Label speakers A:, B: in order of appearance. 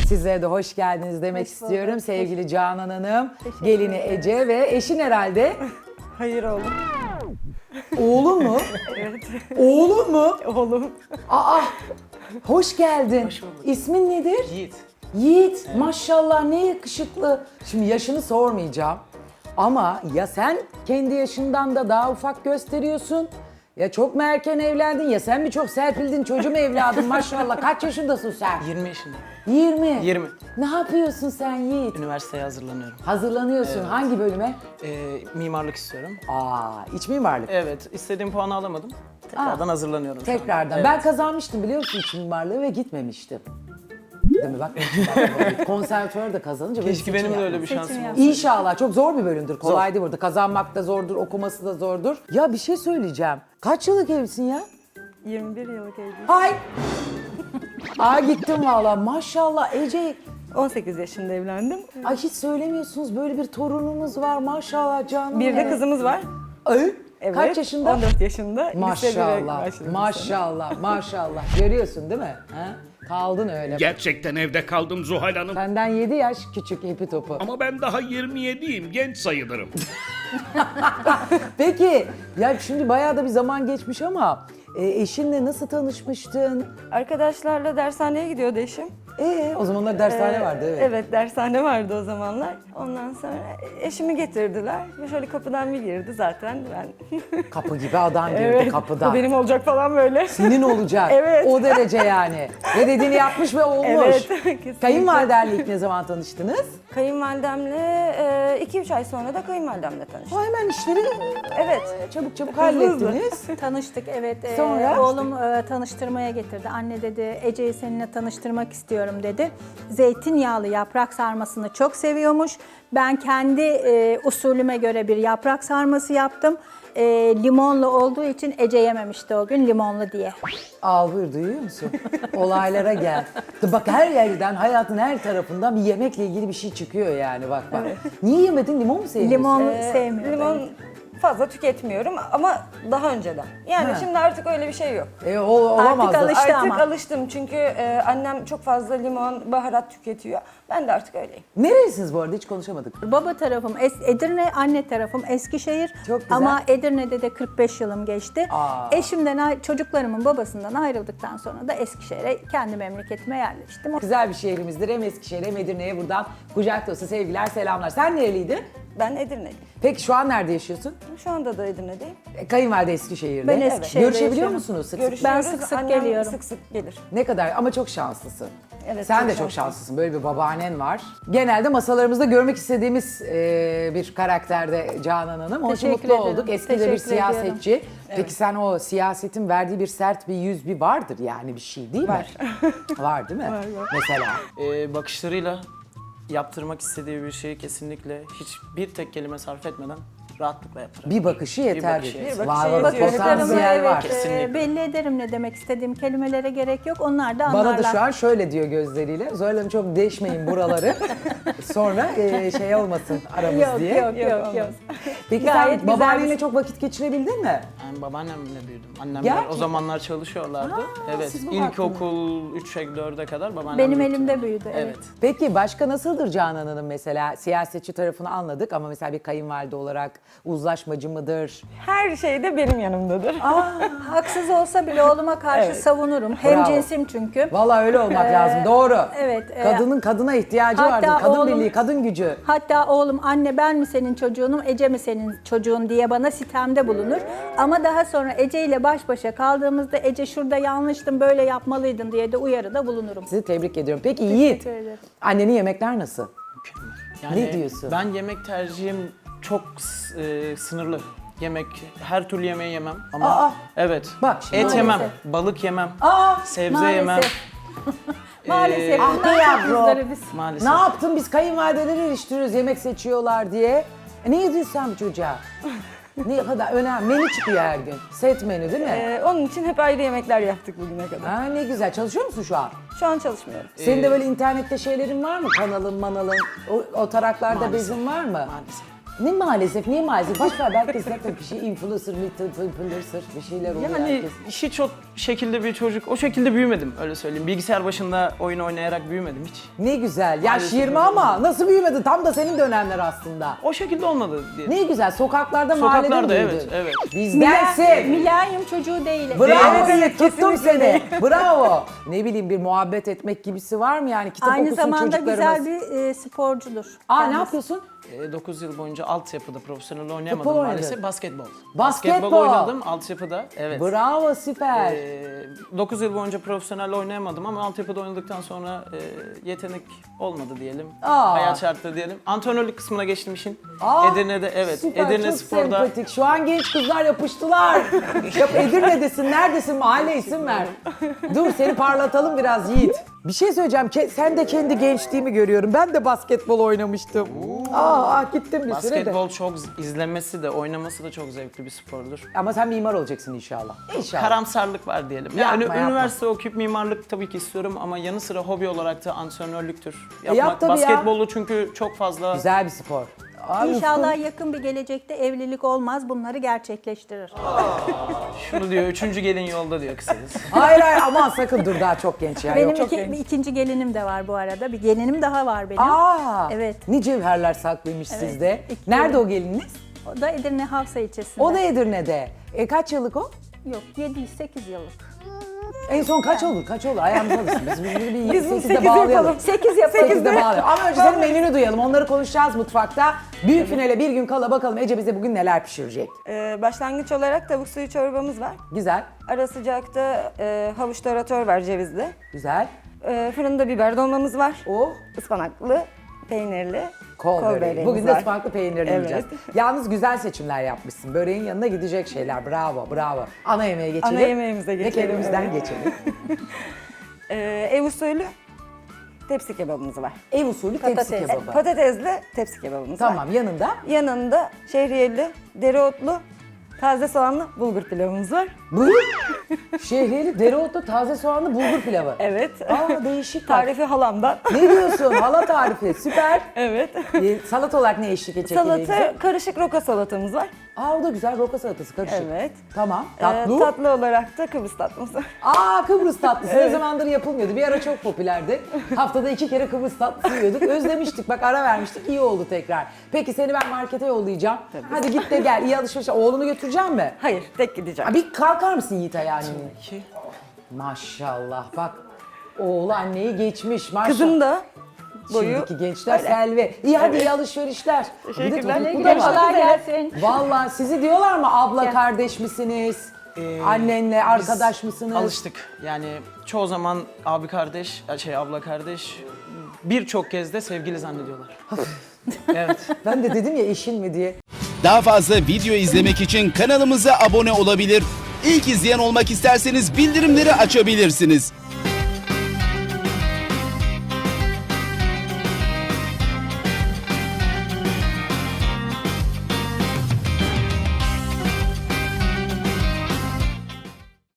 A: Sizlere de hoş geldiniz demek istiyorum. Sevgili Canan Hanım, gelini Ece ve eşin herhalde.
B: Hayır oğlum.
A: Oğlun mu?
B: Evet.
A: Oğlun mu?
B: Oğlum.
A: Aa, hoş geldin.
C: Hoş bulduk.
A: İsmin nedir?
C: Yiğit.
A: Yiğit, maşallah ne yakışıklı. Şimdi yaşını sormayacağım. Ama ya sen kendi yaşından da daha ufak gösteriyorsun. Ya çok mu erken evlendin ya sen mi çok serpildin çocuğum evladım maşallah. Kaç yaşındasın sen?
C: 20 yaşındayım.
A: 20.
C: 20.
A: Ne yapıyorsun sen Yiğit?
C: Üniversiteye hazırlanıyorum.
A: Hazırlanıyorsun. Hangi bölüme?
C: Mimarlık istiyorum.
A: İç mimarlık.
C: Evet, istediğim puanı alamadım. Tekrardan hazırlanıyorum şu an.
A: Tekrardan.
C: Evet.
A: Ben kazanmıştım biliyor musun iç mimarlığı ve gitmemiştim. Değil mi? Bak, konservatuvar da kazanınca böyle
C: Keşke
A: seçim
C: benim de öyle
A: yapmak.
C: bir şansım olsa.
A: İnşallah. Çok zor bir bölümdür. Kolay değil burada. Kazanmak da zordur, okuması da zordur. Ya bir şey söyleyeceğim. Kaç yıllık evlisin ya?
B: 21 yıllık evliyim.
A: Hay! Gittim valla. Maşallah Ece.
B: 18 yaşında evlendim.
A: Ay hiç söylemiyorsunuz. Böyle bir torununuz var. Maşallah canım.
B: Bir de kızımız var.
A: Ay,
B: Evet.
A: kaç yaşında?
B: 14 yaşında. Lise 1'e
A: Maşallah,
B: başladı bu sene.
A: maşallah, maşallah. Görüyorsun değil mi? Ha? Kaldın öyle.
D: Gerçekten evde kaldım Zuhal Hanım.
A: Senden 7 yaş küçük hepi topu.
D: Ama ben daha 27'yim, genç sayılırım.
A: Peki, ya şimdi bayağı da bir zaman geçmiş ama eşinle nasıl tanışmıştın?
B: Arkadaşlarla dershaneye gidiyordu eşim.
A: O zamanlar dershane vardı evet.
B: Evet, dershane vardı o zamanlar. Ondan sonra eşimi getirdiler. Ve şöyle kapıdan bir girdi zaten. Ben
A: Kapı gibi adam girdi
B: evet,
A: kapıdan.
B: bu benim olacak falan böyle.
A: Senin olacak.
B: Evet.
A: O derece yani. Ve dediğini yapmış ve olmuş.
B: Evet, kesinlikle.
A: Kayınvalidenle ilk ne zaman tanıştınız?
B: Kayınvalidemle 2-3 ay sonra da kayınvalidemle tanıştım.
A: Hemen işleri
B: Evet.
A: çabuk çabuk
B: Hızlı hızlı.
A: hallettiniz.
E: Tanıştık evet.
A: Sonra?
E: Oğlum tanıştırmaya getirdi. Anne dedi Ece'yi seninle tanıştırmak istiyorum dedi. Zeytinyağlı yaprak sarmasını çok seviyormuş. Ben kendi usulüme göre bir yaprak sarması yaptım. Limonlu olduğu için Ece yememişti o gün limonlu diye.
A: Al buyur duyuyor musun? Olaylara gel. Bak her yerden hayatın her tarafından bir yemekle ilgili bir şey çıkıyor yani bak. Niye yemedin limon mu sevmiyorsun?
E: Limon sevmiyorum.
B: Limon fazla tüketmiyorum ama daha önceden. Yani şimdi artık öyle bir şey yok.
A: Olamaz da.
E: alıştı.
B: Artık
E: ama.
B: alıştım çünkü annem çok fazla limon, baharat tüketiyor. Ben de artık öyleyim.
A: Nerelisiniz bu arada hiç konuşamadık.
E: Baba tarafım Edirne, anne tarafım Eskişehir.
A: Çok güzel.
E: Ama Edirne'de de 45 yılım geçti.
A: Aa.
E: Eşimden, çocuklarımın babasından ayrıldıktan sonra da Eskişehir'e kendi memleketime yerleştim.
A: Güzel bir şehrimizdir. Hem Eskişehir'e hem Edirne'ye buradan kucak dolusu sevgiler, selamlar. Sen nereliydin?
B: Ben Edirne'liyim.
A: Peki şu an nerede yaşıyorsun?
B: Şu anda da Edirne'deyim.
A: Kayınvalide Eskişehir'de.
E: Ben Eskişehir'de
A: Görüşebiliyor
E: yaşıyorum.
A: musunuz sık sık?
B: Görüşüyoruz.
E: Ben sık sık
B: Annem
E: geliyorum.
B: sık sık gelir.
A: Ne kadar ama çok şanslısın.
B: Evet,
A: Sen
B: çok
A: de çok
B: şanslıyım.
A: şanslısın. Böyle bir babaannen var. Genelde masalarımızda görmek istediğimiz bir karakterde Canan Hanım. Onun için
E: Teşekkür
A: mutlu
E: ederim.
A: olduk. Eski de bir
E: Teşekkür ediyorum.
A: siyasetçi. Peki sen o siyasetin verdiği bir sert bir yüz bir vardır yani bir şey değil mi?
B: Var.
A: Var değil mi?
B: Var.
A: Mesela.
C: Bakışlarıyla yaptırmak istediği bir şeyi kesinlikle hiçbir tek kelime sarf etmeden rahatlıkla yaptırır.
A: Bir bakışı yeter.
C: bakışı
A: diyorsun.
C: yeter.
A: Var
B: bakışı
A: var
B: yetiyor.
A: potansiyel var.
C: Kesinlikle.
E: Belli ederim ne demek istediğim kelimelere gerek yok. Onlar da
A: Bana
E: anlarlar.
A: da şu an şöyle diyor gözleriyle. Zuhal Hanım çok deşmeyin buraları. Sonra şey olmasın aramız
E: Yok,
A: diye.
E: yok.
A: Peki
E: Gayet
A: sen
E: güzel
A: babaannenle
E: bir-
A: çok vakit geçirebildin mi?
C: Ben babaannemle büyüdüm. Annemler
A: Gerçekten?
C: o zamanlar çalışıyorlardı. Evet.
A: siz bu
C: İlkokul 3'e 4'e kadar babaannem
E: Benim
C: büyüttü
E: elimde
C: beni.
E: büyüdü, evet.
A: Peki başka nasıldır Canan Hanım mesela? Siyasetçi tarafını anladık ama mesela bir kayınvalide olarak uzlaşmacı mıdır?
B: Her şeyde benim yanımdadır.
E: Haksız olsa bile oğluma karşı
B: Evet.
E: savunurum. Hem cinsim çünkü.
A: Vallahi öyle olmak lazım. Doğru.
E: evet,
A: Kadının kadına ihtiyacı
E: hatta
A: vardır. Kadın
E: oğlum-
A: birliği, kadın gücü.
E: Hatta oğlum anne ben mi senin çocuğunum, Ece mi senin çocuğun diye bana sitemde bulunur. Ama daha sonra Ece ile baş başa kaldığımızda Ece şurada yanlıştın böyle yapmalıydın diye de uyarıda bulunurum.
A: Sizi tebrik ediyorum. Peki Yiğit,
E: ederim.
A: annenin yemekler nasıl?
C: Yani
A: Ne diyorsun?
C: Ben yemek tercihim çok sınırlı. Yemek, her türlü yemeği yemem ama
A: Aa!
C: evet.
A: Bak şimdi-
C: Et yemem,
E: Maalesef.
C: balık yemem,
A: Aa!
C: sebze yemem.
E: Maalesef. Maalesef.
A: Ah
E: bunlar
A: be
E: çok
A: yavrum.
E: muzdaribiz.
C: Maalesef.
A: Ne yaptın biz kayınvalideleri eleştiriyoruz yemek seçiyorlar diye. Ne yediyorsun sen bu çocuğa? Ne kadar önemli. Menü çıkıyor her gün. Set menü değil mi?
B: Onun için hep ayrı yemekler yaptık bugüne kadar.
A: Ha, ne güzel. Çalışıyor musun şu an?
B: Şu an çalışmıyorum.
A: Senin de böyle internette şeylerin var mı? Kanalın, manalın, o taraklarda
C: Maalesef.
A: bezin var mı?
C: Maalesef.
A: Ne maalesef, niye maalesef? Boş ver, belki zaten bir şey influencer, bir şeyler oluyor
C: Yani
A: herkes.
C: hiç o şekilde bir çocuk, o şekilde büyümedim öyle söyleyeyim. Bilgisayar başında oyun oynayarak büyümedim hiç.
A: Ne güzel. Yaş
C: Maalesef
A: 20 ama nasıl büyümedin? Tam da senin dönemler aslında.
C: O şekilde olmadı diye.
A: Ne güzel. Sokaklarda, mahallede
C: Sokaklarda,
A: büyüdün.
C: evet, evet.
A: Bizdensin.
E: Mülayim çocuğu değil.
A: Bravo,
B: Evet,
A: tuttum seni. Bravo. Ne bileyim, bir muhabbet etmek gibisi var mı yani? Kitap
E: Aynı
A: okusun
E: zamanda
A: çocuklarımız.
E: güzel bir sporcudur.
A: Aa, ne
E: Kendisi.
A: yapıyorsun?
C: 9 yıl boyunca altyapıda profesyonel oynayamadım
A: Futbol
C: maalesef.
A: oynadın.
C: Basketbol.
A: Basketbol.
C: oynadım altyapıda. Evet.
A: Bravo, süper.
C: 9 yıl boyunca profesyonel oynayamadım ama altyapıda oynadıktan sonra yetenek olmadı diyelim.
A: Aa.
C: Hayat şartları diyelim. Antrenörlük kısmına geçtim işin.
A: Aa,
C: Edirne'de evet.
A: Süper,
C: Edirne
A: çok
C: Spor'da.
A: sempatik. Şu an genç kızlar yapıştılar. Yap, Edirne'desin, neredesin? Mahalle isim ver. Dur, seni parlatalım biraz Yiğit. Bir şey söyleyeceğim. Sen de kendi gençliğimi görüyorum. Ben de basketbol oynamıştım. Gittim bir süre de.
C: Basketbol çok izlenmesi de oynaması da çok zevkli bir spordur.
A: Ama sen mimar olacaksın inşallah. İnşallah.
C: Karamsarlık var diyelim.
A: Yapma,
C: Yani
A: yapma.
C: üniversite okuyup mimarlık tabii ki istiyorum ama yanı sıra hobi olarak da antrenörlüktür.
A: Yap tabii ya.
C: Basketbolu çünkü çok fazla
A: Güzel bir spor. Ay,
E: İnşallah yakın bir gelecekte evlilik olmaz, bunları gerçekleştirir.
C: şunu diyor, 3. gelin yolda diyor kısacası.
A: Hayır aman sakın dur, daha çok genç ya.
E: Benim
A: Yok.
E: bir ikinci gelinim de var bu arada. Bir gelinim daha var benim.
A: Evet.
E: Evet.
A: Ne cevherler saklıymış
E: Evet.
A: sizde.
E: İki
A: Nerede
E: gelin.
A: o gelininiz?
E: O da Edirne Havsa ilçesinde.
A: O da Edirne'de. Kaç yıllık o?
E: Yok, 7-8 yıllık.
A: En son kaç olur? Kaç olur? Ayağımıza alışsın. Biz bunu bir
B: Biz bunu
A: 8'de
B: sekiz
A: bağlayalım.
B: yapalım.
E: 8 yapalım.
A: 8'de bağlayalım. Ama önce senin menünü duyalım. Onları konuşacağız mutfakta. Büyük finale bir gün kala bakalım Ece bize bugün neler pişirecek.
B: Başlangıç olarak tavuk suyu çorbamız var.
A: Güzel,
B: Ara sıcakta havuç tarator var cevizli.
A: güzel.
B: Fırında biber dolmamız var.
A: Oh,
B: Ispanaklı, peynirli.
A: kol böreği.
B: böreğimiz
A: Bugün de
B: var.
A: ıspanaklı peynirli
B: Evet.
A: yiyeceğiz. Yalnız güzel seçimler yapmışsın. Böreğin yanına gidecek şeyler. Bravo, bravo. Ana yemeğe geçelim.
B: Ana yemeğimize geçelim,
A: Ve kendimizden
B: evet.
A: geçelim.
B: Ev usulü tepsi kebabımız var.
A: Ev usulü tepsi
E: Patates.
A: kebabı.
B: Patatesli tepsi kebabımız var.
A: Tamam, yanında
B: Yanında şehriyeli, dereotlu, taze soğanlı bulgur pilavımız var.
A: buyur. Şehriyeli, dereotlu, taze soğanlı bulgur pilavı.
B: Evet.
A: Değişik.
B: Tarifi halamdan.
A: Ne diyorsun? Hala tarifi. Süper.
B: Evet.
A: Salata olarak ne eşlik edecek?
B: Salata, karışık roka salatamız var.
A: O da güzel, roka salatası karışık.
B: Evet.
A: Tamam. Tatlı.
B: Tatlı olarak da Kıbrıs tatlısı var.
A: Kıbrıs tatlısı ne zamandır yapılmıyordu. Bir ara çok popülerdi. Haftada 2 kere Kıbrıs tatlısı yiyorduk. Özlemiştik. Bak ara vermiştik. İyi oldu tekrar. Peki seni ben markete yollayacağım. Hadi git de gel. İyi alışveriş. Oğlunu götüreceğim mi?
B: Hayır, tek gideceğim.
A: Bir kalkar mısın Yiğit ayağını?
C: Ki
A: Maşallah bak. Oğlu anneyi geçmiş. Maşallah.
B: Kızım da boyu.
A: Şimdiki gençler selvi. İyi hadi iyi alışverişler.
B: Teşekkürler.
A: Bir de
B: Güle
A: bu da
B: güle.
A: var.
E: Kolay gelsin.
A: Vallahi sizi diyorlar mı abla kardeş misiniz? Annenle arkadaş mısınız?
C: alıştık. Yani çoğu zaman abi kardeş, abla kardeş, birçok kez de sevgili zannediyorlar. Evet.
A: Ben de dedim ya eşin mi diye.
F: Daha fazla video izlemek için kanalımıza abone olabilir. İlk izleyen olmak isterseniz bildirimleri açabilirsiniz.